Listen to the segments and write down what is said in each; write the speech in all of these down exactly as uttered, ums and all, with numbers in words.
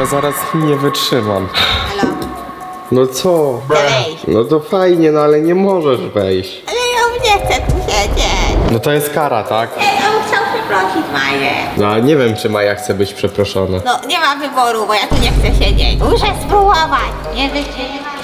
zaraz nie wytrzymam. Halo? No co? Wejdź. No to fajnie, no ale nie możesz wejść. Ale ja nie chcę tu siedzieć. No to jest kara, tak? Ja bym chciał przeprosić Maję. No ale nie wiem, czy Maja chce być przeproszona. No nie ma wyboru, bo ja tu nie chcę siedzieć. Muszę spróbować. Nie wytrzymam.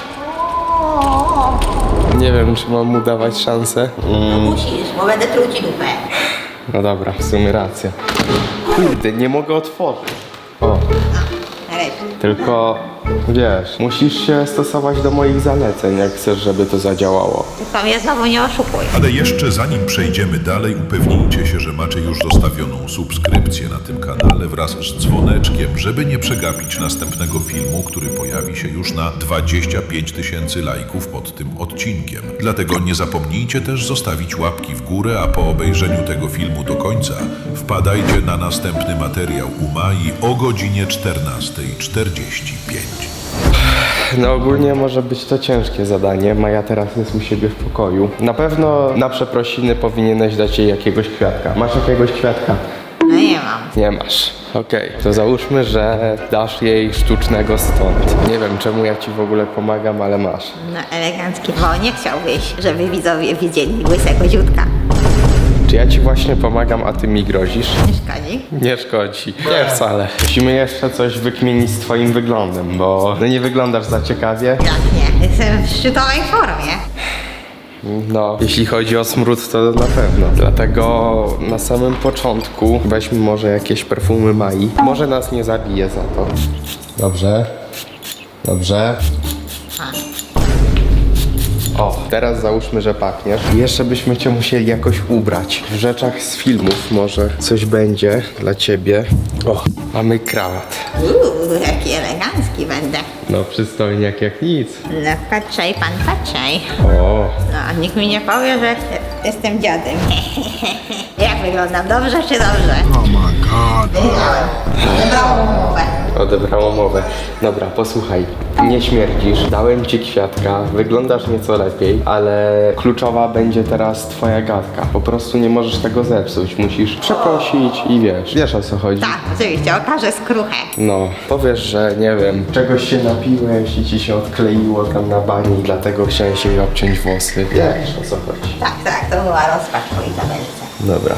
Nie wiem, czy mam mu dawać szansę. No musisz, bo będę truł ci dupę. No dobra, w sumie racja. Kurde, nie mogę otworzyć. O, No, nareszcie. tylko wiesz, musisz się stosować do moich zaleceń, jak chcesz, żeby to zadziałało. Tylko mnie znowu nie oszukuj. Ale jeszcze zanim przejdziemy dalej, upewnijcie się, że macie już zostawioną subskrypcję na tym kanale wraz z dzwoneczkiem, żeby nie przegapić następnego filmu, który pojawi się już na dwadzieścia pięć tysięcy lajków pod tym odcinkiem. Dlatego nie zapomnijcie też zostawić łapki w górę, a po obejrzeniu tego filmu do końca wpadajcie na następny materiał u Mai o godzinie czternasta czterdzieści pięć. No ogólnie może być to ciężkie zadanie. Maja teraz jest u siebie w pokoju. Na pewno na przeprosiny powinieneś dać jej jakiegoś kwiatka. Masz jakiegoś kwiatka? No nie mam. Nie masz. Okej, to załóżmy, że dasz jej sztucznego stąd. Nie wiem, czemu ja ci w ogóle pomagam, ale masz. No elegancki, bo nie chciałbyś, żeby widzowie widzieli łysego dziódka. Czy ja ci właśnie pomagam, a ty mi grozisz? Nie szkodzi? Nie szkodzi. Nie wcale. Musimy jeszcze coś wykminić z twoim wyglądem, bo no nie wyglądasz za ciekawie. Jak nie? Jestem w szczytowej formie. No, jeśli chodzi o smród, to na pewno. Dlatego na samym początku weźmy może jakieś perfumy Mai. Może nas nie zabije za to. Dobrze. Dobrze. O, teraz załóżmy, że pachniesz. I jeszcze byśmy cię musieli jakoś ubrać. W rzeczach z filmów może coś będzie dla ciebie. O, mamy krawat. Uuu, jaki elegancki będę. No, przystojniak jak nic. No patrzaj pan, patrzaj. O, No, nikt mi nie powie, że jestem dziadem. Jak wyglądam? Dobrze czy dobrze? Oh my god. Wybrałam umowę. odebrało mowę. Dobra, posłuchaj. Nie śmierdzisz, dałem ci kwiatka, wyglądasz nieco lepiej, ale kluczowa będzie teraz twoja gadka. Po prostu nie możesz tego zepsuć. Musisz przeprosić i wiesz, wiesz o co chodzi. Tak, oczywiście, okażę skruchę. No, powiesz, że nie wiem, czegoś się napiłeś i ci się odkleiło tam na bani i dlatego chciałeś jej obciąć włosy. Wiesz o co chodzi. Tak, tak, to była rozpacz po Izabelce. Dobra.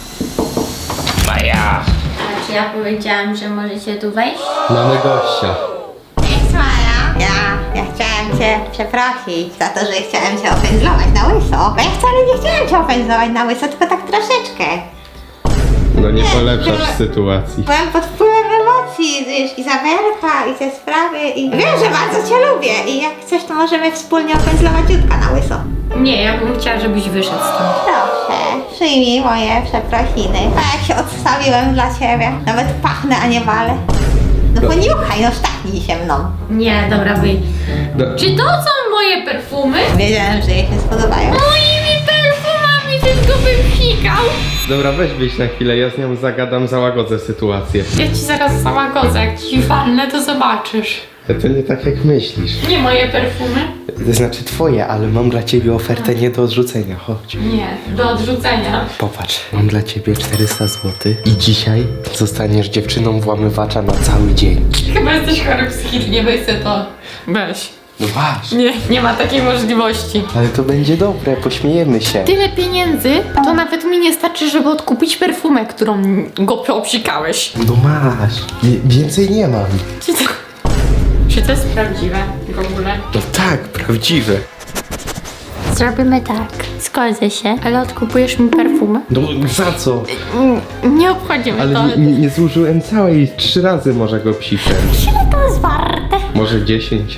Maja! A czy ja powiedziałam, że możecie tu wejść? Mamy gościa. Cześć Maja. Ja, ja chciałem cię przeprosić za to, że chciałem cię opędzlować na łyso. Bo ja wcale nie chciałem cię opędzlować na łyso, tylko tak troszeczkę. No nie Nie, polepszasz była- sytuacji. Byłem pod wpływem emocji, wiesz, Izabelka i te sprawy i wiem, że bardzo cię lubię i jak chcesz, to możemy wspólnie opędzlować Jutka na łyso. Nie, ja bym chciała, żebyś wyszedł stąd. Proszę, przyjmij moje przeprosiny. A jak się odstawiłem dla ciebie, nawet pachnę, a nie walę. No poniuchaj, no sztachnij się mną. Nie, dobra, wyjdź. No. Czy to są moje perfumy? Wiedziałem, że jej się spodobają. Moimi perfumami tylko bym psikał. Dobra, weź wyjść na chwilę, ja z nią zagadam, załagodzę sytuację. Ja ci zaraz załagodzę, jak ci walnę, to zobaczysz. To nie tak jak myślisz. Nie moje perfumy? To znaczy twoje, ale mam dla ciebie ofertę nie do odrzucenia, chodź. Nie, do odrzucenia. Popatrz, mam dla ciebie czterysta złotych i dzisiaj zostaniesz dziewczyną włamywacza na cały dzień. Chyba jesteś chory psychicznie, weź se to. Weź. No masz. Nie, nie ma takiej możliwości. Ale to będzie dobre, pośmiejemy się. Tyle pieniędzy, to nawet mi nie starczy, żeby odkupić perfumę, którą go obsikałeś. No masz. Wie- więcej nie mam. Czy to, czy to jest prawdziwe w ogóle? No tak, prawdziwe. Zrobimy tak. Zgodzę się, ale odkupujesz mi perfumę? No za co? Mm, Nie obchodzi mnie Ale to. nie, nie, nie zużyłem całej, trzy razy może go psiknąć. Ile to jest warte? Może dziesięć.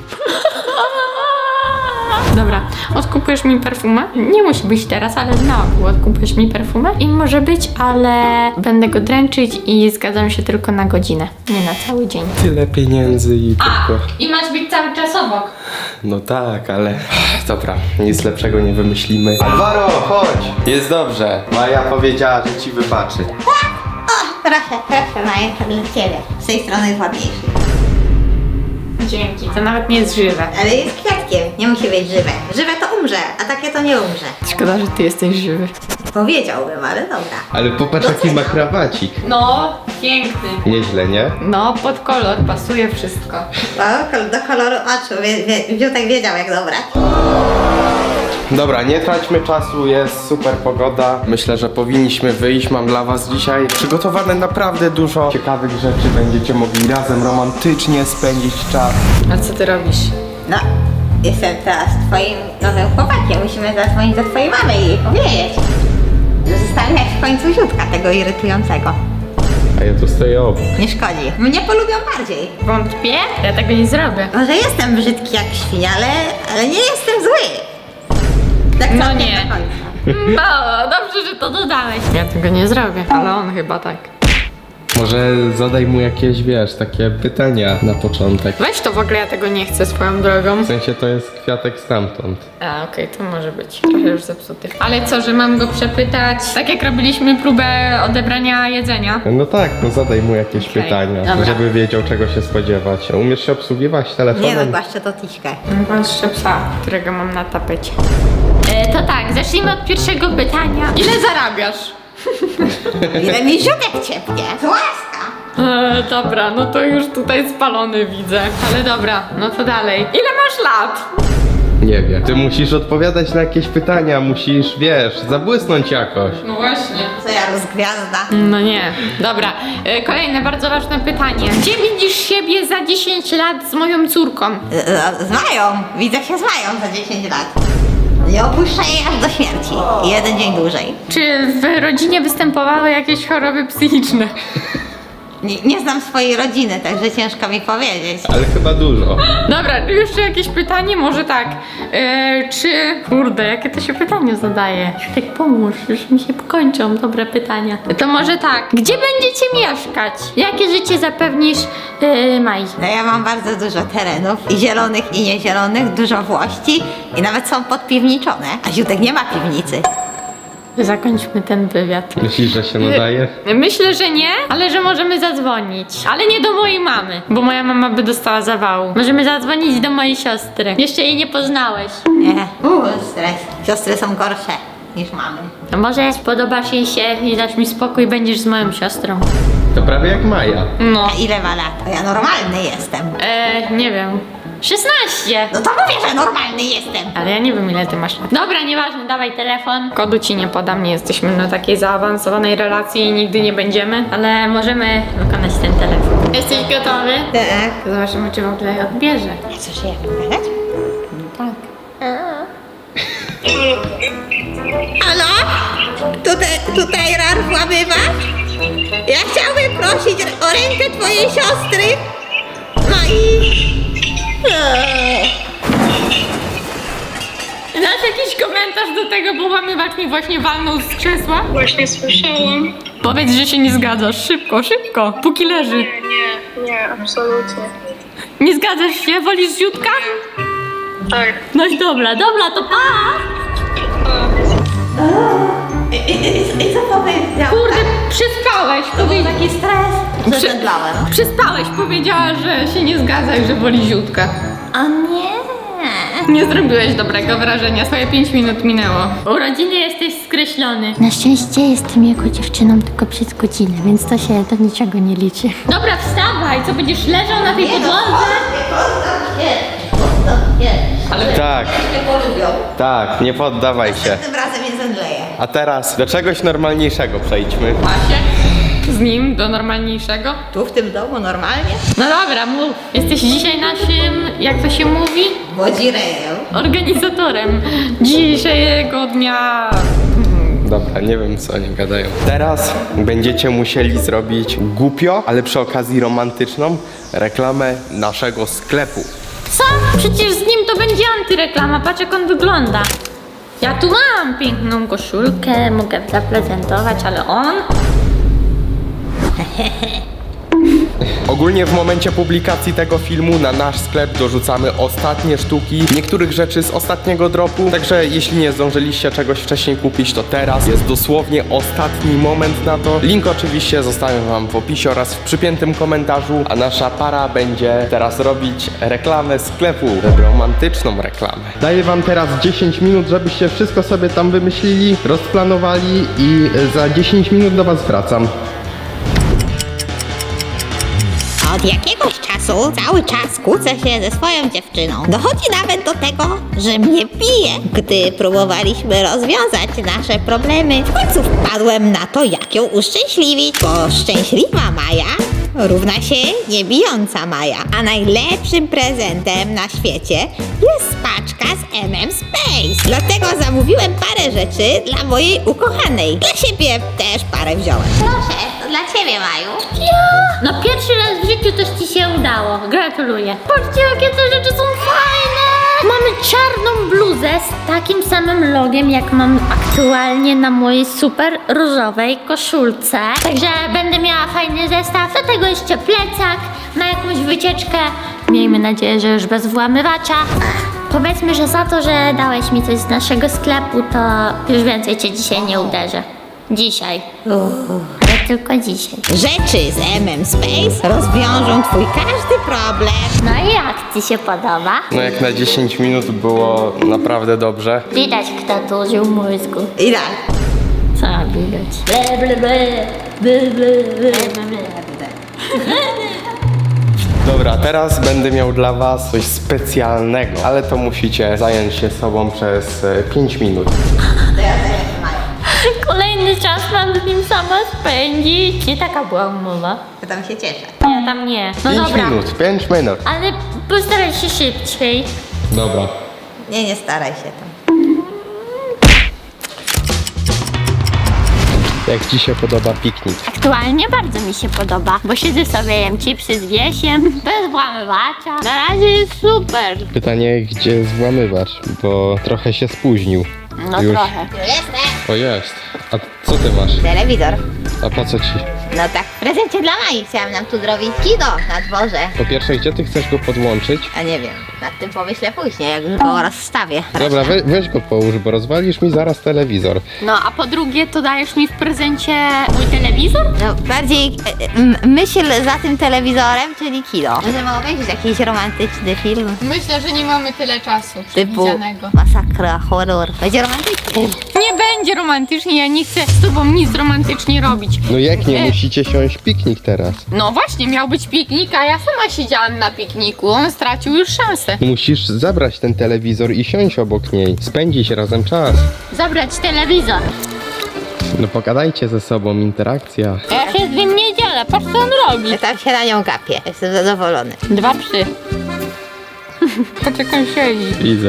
Dobra, odkupujesz mi perfumę? Nie musi być teraz, ale na ogół odkupujesz mi perfumę i może być, ale będę go dręczyć i zgadzam się tylko na godzinę, nie na cały dzień. Tyle pieniędzy i tylko... I masz być cały czas obok. No tak, ale... Dobra, nic lepszego nie wymyślimy. Alvaro, chodź! Jest dobrze. Maja powiedziała, że ci wybaczy. O, proszę, proszę Maja, to dla ciebie. Z tej strony jest ładniejszy. Dzięki, to nawet nie jest żywe. Ale jest kwiatkiem, nie musi być żywe. Żywe to umrze, a takie to nie umrze. Szkoda, że ty jesteś żywy. Powiedziałbym, ale dobra. Ale popatrz jaki ma krawacik. No, piękny. Nieźle, nie? No, pod kolor pasuje wszystko. No, kol- do koloru oczu. Wie, wie, Wiutek wiedział jak dobrać. Dobra, nie traćmy czasu, jest super pogoda. Myślę, że powinniśmy wyjść. Mam dla was dzisiaj przygotowane naprawdę dużo ciekawych rzeczy. Będziecie mogli razem romantycznie spędzić czas. A co ty robisz? No, jestem teraz twoim nowym chłopakiem. Musimy zadzwonić do twojej mamy i jej powiedzieć. Że zostawiać w końcu Ziutka, tego irytującego. A ja tu stoję obok. Nie szkodzi. Mnie polubią bardziej. Wątpię? Ja tego nie zrobię. Może jestem brzydki jak świnia, ale, ale nie jestem zły. Tak No całkiem nie. do końca. No, dobrze, że to dodałeś. Ja tego nie zrobię, ale on chyba tak. Może zadaj mu jakieś, wiesz, takie pytania na początek. Weź to w ogóle, ja tego nie chcę swoją drogą. W sensie to jest kwiatek stamtąd. A, okej, to może być. Trochę już zepsuty. Ale co, że mam go przepytać? Tak jak robiliśmy próbę odebrania jedzenia. No tak, no zadaj mu jakieś Okej, pytania, dobra. żeby wiedział czego się spodziewać. Umiesz się obsługiwać telefonem? Nie no, głaszczę to tiśkę. Patrzę psa, którego mam na tapecie. E, to tak, zacznijmy od pierwszego pytania. Ile zarabiasz? Ile mi Ziutek ciepnie. Z łaska. E, dobra, no to już tutaj spalony widzę. Ale dobra, no to dalej. Ile masz lat? Nie wiem. Ty musisz odpowiadać na jakieś pytania, musisz, wiesz, zabłysnąć jakoś. No właśnie. Co ja rozgwiazda? No nie. Dobra, e, kolejne bardzo ważne pytanie. Gdzie widzisz siebie za dziesięć lat z moją córką? Z, z Mają. Widzę się z Mają za dziesięć lat. Nie opuszczę jej aż do śmierci. Jeden dzień dłużej. Czy w rodzinie występowały jakieś choroby psychiczne? Nie, nie znam swojej rodziny, także ciężko mi powiedzieć. Ale chyba dużo. Dobra, jeszcze jakieś pytanie? Może tak. E, czy... Kurde, jakie to się pytanie zadaje? Tak pomóż, już mi się kończą dobre pytania. To może tak. Gdzie będziecie mieszkać? Jakie życie zapewnisz e, Maj? No ja mam bardzo dużo terenów, i zielonych, i niezielonych, dużo włości i nawet są podpiwniczone. A Ziutek nie ma piwnicy. Zakończmy ten wywiad. Myślisz, że się nadaje? Myślę, że nie, ale że możemy zadzwonić. Ale nie do mojej mamy, bo moja mama by dostała zawału. Możemy zadzwonić do mojej siostry. Jeszcze jej nie poznałeś. Nie. Uuu, stres. Siostry są gorsze niż mamy. A może spodobasz jej się i dasz mi spokój i będziesz z moją siostrą? To prawie jak Maja. No. A ile ma lat? To ja normalny jestem. E, nie wiem. szesnaście! No to mówię, że normalny jestem. Ale ja nie wiem ile ty masz lat. Dobra, nieważne, dawaj telefon. Kodu ci nie podam, nie jesteśmy na takiej zaawansowanej relacji i nigdy nie będziemy, ale możemy wykonać ten telefon. Jesteś gotowy? Tak. Zobaczymy, czy w ogóle odbierze. A co się jak gadać? No tak. Halo? Tutaj, tutaj Rar włamywa? Ja chciałbym prosić o rękę twojej siostry. No i... Eee. Dasz jakiś komentarz do tego, bo łamywacz mi właśnie walnął z krzesła? Właśnie słyszałam. Powiedz, że się nie zgadzasz. Szybko, szybko, póki leży. Nie, nie, nie, absolutnie. Nie zgadzasz się? Wolisz Ziutka? Tak. No i dobra, dobra, to pa! I, i, i, I co powiedział? Kurde, przespałeś. To był Powie... taki stres, że Przy- zemdlałem. Przespałeś, powiedziała, że się nie zgadza i że woli Ziutka. O nie. Nie zrobiłeś dobrego wrażenia, swoje pięć minut minęło. Urodziny jesteś skreślony. Na szczęście jestem jako dziewczyną tylko przez godzinę, więc to się do niczego nie liczy. Dobra, wstawaj, co będziesz leżał na tej podłodze? Poddam się. Poddam się. Ale Tak, Nie polubią. tak, nie poddawaj się. Tym razem nie zemdleję. A teraz do czegoś normalniejszego przejdźmy. Pasie z nim do normalniejszego. Tu w tym domu normalnie? No dobra, mów. Jesteś dzisiaj naszym, jak to się mówi, Bodzirejem. organizatorem dzisiejszego dnia. Dobra, nie wiem co oni gadają. Teraz będziecie musieli zrobić głupio, ale przy okazji romantyczną reklamę naszego sklepu. Co? Przecież z nim to będzie antyreklama, patrz jak on wygląda. Ja tu mam piękną koszulkę, mogę zaprezentować, ale on... Ogólnie w momencie publikacji tego filmu na nasz sklep dorzucamy ostatnie sztuki niektórych rzeczy z ostatniego dropu, także jeśli nie zdążyliście czegoś wcześniej kupić, to teraz jest dosłownie ostatni moment na to. Link oczywiście zostawiam wam w opisie oraz w przypiętym komentarzu, a nasza para będzie teraz robić reklamę sklepu, romantyczną reklamę. Daję wam teraz dziesięć minut, żebyście wszystko sobie tam wymyślili, rozplanowali i za dziesięć minut do was wracam. Od jakiegoś czasu cały czas kłócę się ze swoją dziewczyną. Dochodzi nawet do tego, że mnie bije. Gdy próbowaliśmy rozwiązać nasze problemy, w końcu wpadłem na to, jak ją uszczęśliwić, bo szczęśliwa Maja równa się niebijąca Maja. A najlepszym prezentem na świecie jest paczka z M M Space. Dlatego zamówiłem parę rzeczy dla mojej ukochanej. Dla siebie też parę wziąłem. Proszę, to dla ciebie, Maju. No pierwszy raz w życiu coś ci się udało. Gratuluję. Patrzcie, jakie te rzeczy są fajne! Mamy czarną bluzę z takim samym logiem, jak mam aktualnie na mojej super różowej koszulce. Także będę miała fajny zestaw. Do tego jeszcze plecak na jakąś wycieczkę. Miejmy nadzieję, że już bez włamywacza. Powiedzmy, że za to, że dałeś mi coś z naszego sklepu, to już więcej cię dzisiaj nie uderzę. Dzisiaj. Ale tylko dzisiaj. Rzeczy z M M Space rozwiążą twój każdy problem. No i jak ci się podoba? No jak na dziesięć minut było naprawdę dobrze. Widać, kto tu użył mózgu. I tak. Co widać? Ble, ble, ble, ble, ble, ble, ble, ble. Dobra, teraz będę miał dla was coś specjalnego, ale to musicie zająć się sobą przez e, pięć minut. Kolejny czas mam z nim sama spędzić. Nie taka była umowa. To tam się cieszę. Ja tam nie. No pięć dobra. minut, pięć minut. Ale postaraj się szybciej. Dobra. Nie, nie staraj się tam. Jak ci się podoba piknik? Aktualnie bardzo mi się podoba, bo siedzę sobie, jem chipsy z Wiesiem, bez włamywacza. Na razie jest super. Pytanie, gdzie jest włamywacz, bo trochę się spóźnił. No Już. trochę. Jestem. O jest. A co ty masz? Telewizor. A po co ci? No tak, w prezencie dla Mai chciałam nam tu zrobić kino na dworze. Po pierwsze, gdzie ty chcesz go podłączyć? A nie wiem, nad tym pomyślę później, jak już go rozstawię. Dobra, we, weź go połóż, bo rozwalisz mi zaraz telewizor. No a po drugie, to dajesz mi w prezencie mój telewizor? No bardziej e, e, m- myśl za tym telewizorem, czyli kino. Możemy obejrzeć jakiś romantyczny film. Myślę, że nie mamy tyle czasu Typu przewidzianego. masakra, horror. Będzie romantyczny. Nie będzie romantycznie, ja nie chcę z tobą nic romantycznie robić. No jak nie, E. musicie siąść piknik teraz. No właśnie, miał być piknik, a ja sama siedziałam na pikniku. On stracił już szansę. Musisz zabrać ten telewizor i siąść obok niej. Spędzić razem czas. Zabrać telewizor. No pogadajcie ze sobą, interakcja. Ja się z nim nie dzielę, patrz co on robi. Ja tam się na nią gapię. Jestem zadowolony. Dwa psy. Poczekaj, siedzi. Widzę.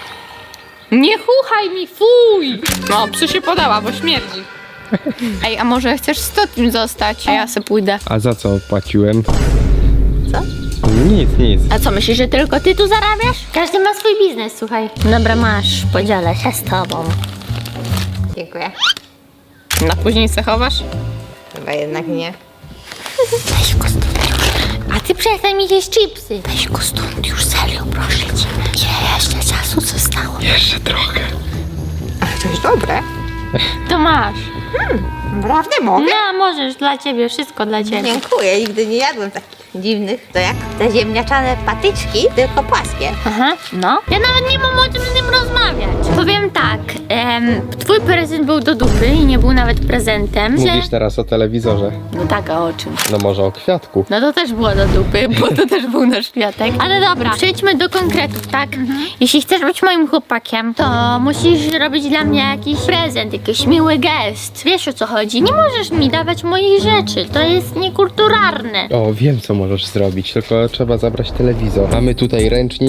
Nie chuchaj mi, fuj! No, psy się podała, bo śmierdzi. Ej, a może chcesz z Totim zostać, a ja se pójdę. A za co płaciłem? Co? Nic, nic. A co, myślisz, że tylko ty tu zarabiasz? Każdy ma swój biznes, słuchaj. Dobra, masz, podzielę się z tobą. Dziękuję. Na później se chowasz? Chyba jednak nie. Weź go stąd już. A ty przestań mi jeść chipsy. Weź go stąd już, serio, proszę cię. Ile jeszcze czasu zostało? Jeszcze trochę. To jest dobre. To masz. Naprawdę mogę? No, możesz, dla ciebie, wszystko dla ciebie. Dziękuję, nigdy nie jadłem takich dziwnych. To jak te ziemniaczane patyczki, tylko płaskie. Aha, no. Ja nawet nie mam o czym z nim rozmawiać. Powiem tak, em, twój prezent był do dupy i nie był nawet prezentem. Mówisz Że... teraz o telewizorze. No tak, a o czym? No może o kwiatku. No to też było do dupy, bo to też był nasz kwiatek. Ale dobra, przejdźmy do konkretów, tak? Jeśli chcesz być moim chłopakiem, to musisz robić dla mnie jakiś prezent, jakiś miły gest. Wiesz, o co chodzi? Nie możesz mi dawać moich rzeczy, to jest niekulturalne. O, wiem co możesz zrobić, tylko trzeba zabrać telewizor. Mamy tutaj ręcznik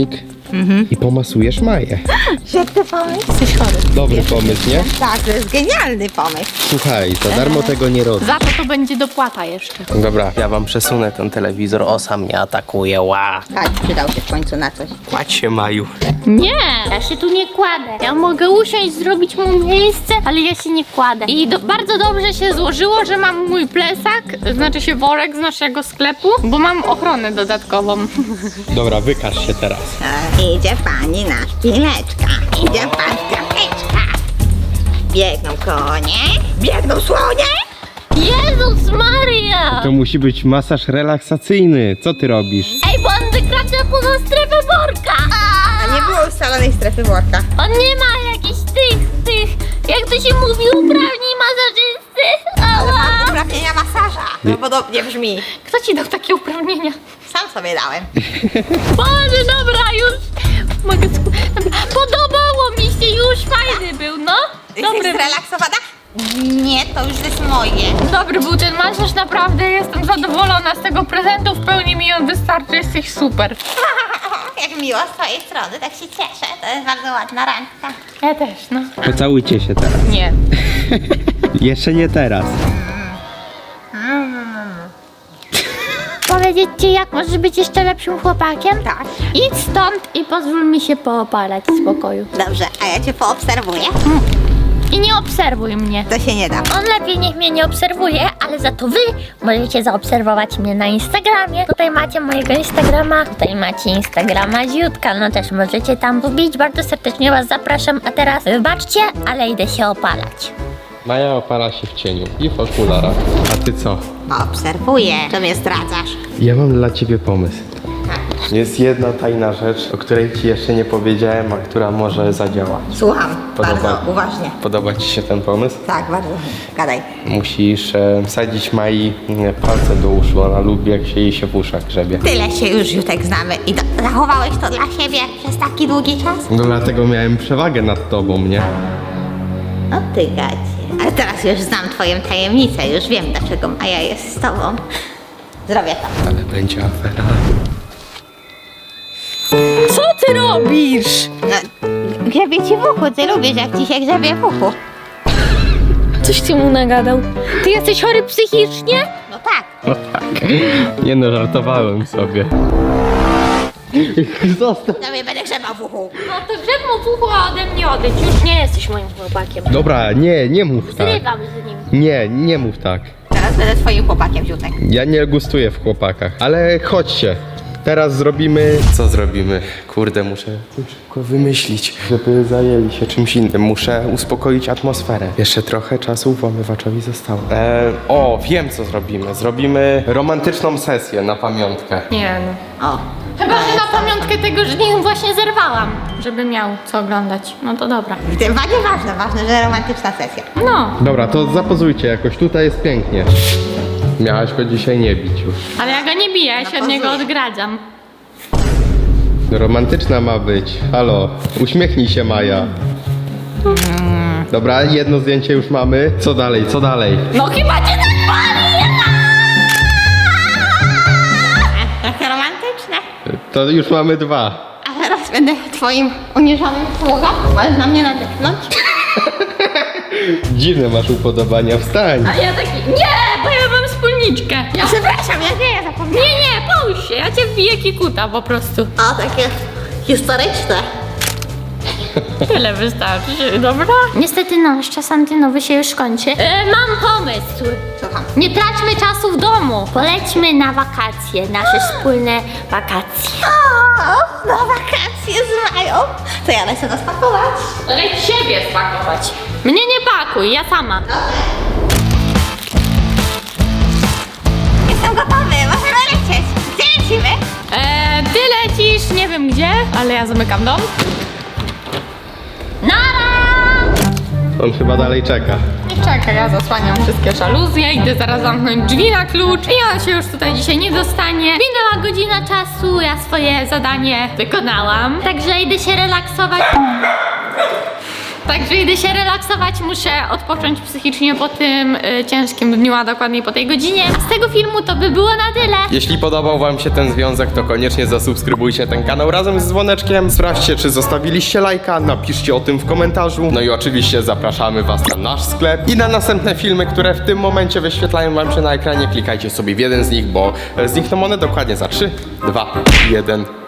i pomasujesz Maję. Świetny pomysł. Jesteś chory. Dobry pomysł, nie? Tak, to jest genialny pomysł. Słuchaj, za darmo tego nie robię. Za to to będzie dopłata jeszcze. Dobra, ja wam przesunę ten telewizor, osa mnie atakuje, ła. Tak, przydał się w końcu na coś. Kładź się, Maju. Nie, ja się tu nie kładę. Ja mogę usiąść, zrobić mu miejsce, ale ja się nie kładę. I do, bardzo dobrze się złożyło, że mam mój plecak, znaczy się worek z naszego sklepu, bo mam ochronę dodatkową. Dobra, wykaż się teraz. E, idzie pani na szpileczka. Idzie pan kropeczka. Biegną konie. Biegną słonie. Jezus Maria! To musi być masaż relaksacyjny. Co ty robisz? Ej, bo on wykracza poza strefę worka! A nie było ustalonej strefy worka. On nie ma jakichś tych, tych, jak to się mówi, uprawnień masażysty. Ała! Uprawnienia masaża. No podobnie brzmi. Kto ci dał takie uprawnienia? Sam sobie dałem. Boże, dobra, już mogę sku... Dobra. Podobało mi się, już fajny był, no. Jesteś Dobry. zrelaksowana? Nie, to już jest moje. Dobry był ten masaż, naprawdę jestem zadowolona z tego prezentu, w pełni mi on wystarczy, jesteś super. Jak miło z twojej strony, tak się cieszę. To jest bardzo ładna randka. Ja też, no. Pocałujcie się teraz. Nie. Jeszcze nie teraz. Powiedzieć ci, jak możesz być jeszcze lepszym chłopakiem? Tak. Idź stąd i pozwól mi się poopalać w spokoju. Dobrze, a ja cię poobserwuję. I nie obserwuj mnie. To się nie da. On lepiej niech mnie nie obserwuje, ale za to wy możecie zaobserwować mnie na Instagramie. Tutaj macie mojego Instagrama, tutaj macie Instagrama Ziutka, no też możecie tam wbić. Bardzo serdecznie was zapraszam, a teraz wybaczcie, ale idę się opalać. Maja opala się w cieniu i w okularach. A ty co? Obserwuję. To mnie zdradzasz. Ja mam dla ciebie pomysł. Jest jedna tajna rzecz, o której ci jeszcze nie powiedziałem, a która może zadziałać. Słucham. Podoba- Bardzo uważnie. Podoba ci się ten pomysł? Tak, bardzo. Gadaj. Musisz e, wsadzić Mai e, palce do uszu. Ona lubi, jak się jej się w uszach grzebie. Tyle się już, Jutek, znamy. I to, zachowałeś to dla siebie przez taki długi czas? No dlatego miałem przewagę nad tobą, nie? No ty gacie. Ale teraz już znam twoją tajemnicę. Już wiem, dlaczego Maja jest z tobą. Zrobię to. Ale będzie afera. Co ty robisz? No, grzebie ci w uchu. Ty lubisz, jak ci się grzebie w uchu. Coś ty mu nagadał. Ty jesteś chory psychicznie? No tak. No tak. Nie no, żartowałem sobie. Zostaw. Tobie będę grzebał w uchu. No to grzeb mu w uchu, a ode mnie odejdź. Już nie jesteś moim chłopakiem. Dobra, nie, nie mów tak. Zrywam z nim. Nie, nie mów tak. Teraz będę twoim chłopakiem, Jutek. Ja nie gustuję w chłopakach, ale chodźcie. Teraz zrobimy... Co zrobimy? Kurde, muszę szybko wymyślić, żeby zajęli się czymś innym. Muszę uspokoić atmosferę. Jeszcze trochę czasu włamywaczowi zostało. E, o, wiem co zrobimy. Zrobimy romantyczną sesję na pamiątkę. Nie no. O. Chyba, że na pamiątkę tego, że nim właśnie zerwałam, żeby miał co oglądać. No to dobra. Tym bardziej ważne, ważne, że romantyczna sesja. No, Dobra, to zapozujcie jakoś. Tutaj jest pięknie. Miałaś go dzisiaj nie bić już. ale ja go nie biję, ja się od niego pozuję. odgradzam. Romantyczna ma być. Halo, uśmiechnij się, Maja. Dobra, jedno zdjęcie już mamy. Co dalej, co dalej? No chyba cię tak boli! Trochę romantyczne. To już mamy dwa. A teraz będę twoim uniżonym sługą. Możesz na mnie nadepnąć. Dziwne masz upodobania, wstań. A ja taki, nie, bo ja mam wspólniczkę. Ja... Przepraszam, ja nie, ja zapomniałam. Nie, nie, połóż się, ja cię wbiję kikuta po prostu. O, takie historyczne. Tyle wystarczy, dobra? Niestety nasz czas antenowy się już kończy. E, mam pomysł. Słucham. Nie traćmy czasu w domu. Polećmy na wakacje, nasze wspólne wakacje. O, na wakacje z Mają. To ja lecę nas pakować. Leć siebie spakować. Mnie nie pakuj, ja sama. Jestem gotowy, możemy lecieć. Gdzie lecimy? Eee, ty lecisz, nie wiem gdzie, ale ja zamykam dom. Nara! On chyba dalej czeka. Czekaj, ja zasłaniam wszystkie żaluzje, idę zaraz zamknąć drzwi na klucz i on się już tutaj dzisiaj nie dostanie. Minęła godzina czasu, ja swoje zadanie wykonałam. Także idę się relaksować. Także idę się relaksować, muszę odpocząć psychicznie po tym y, ciężkim dniu, a dokładniej po tej godzinie. A z tego filmu to by było na tyle. Jeśli podobał wam się ten związek, to koniecznie zasubskrybujcie ten kanał razem z dzwoneczkiem. Sprawdźcie, czy zostawiliście lajka, napiszcie o tym w komentarzu. No i oczywiście zapraszamy was na nasz sklep i na następne filmy, które w tym momencie wyświetlają wam się na ekranie. Klikajcie sobie w jeden z nich, bo znikną one dokładnie za trzy, dwa, jeden.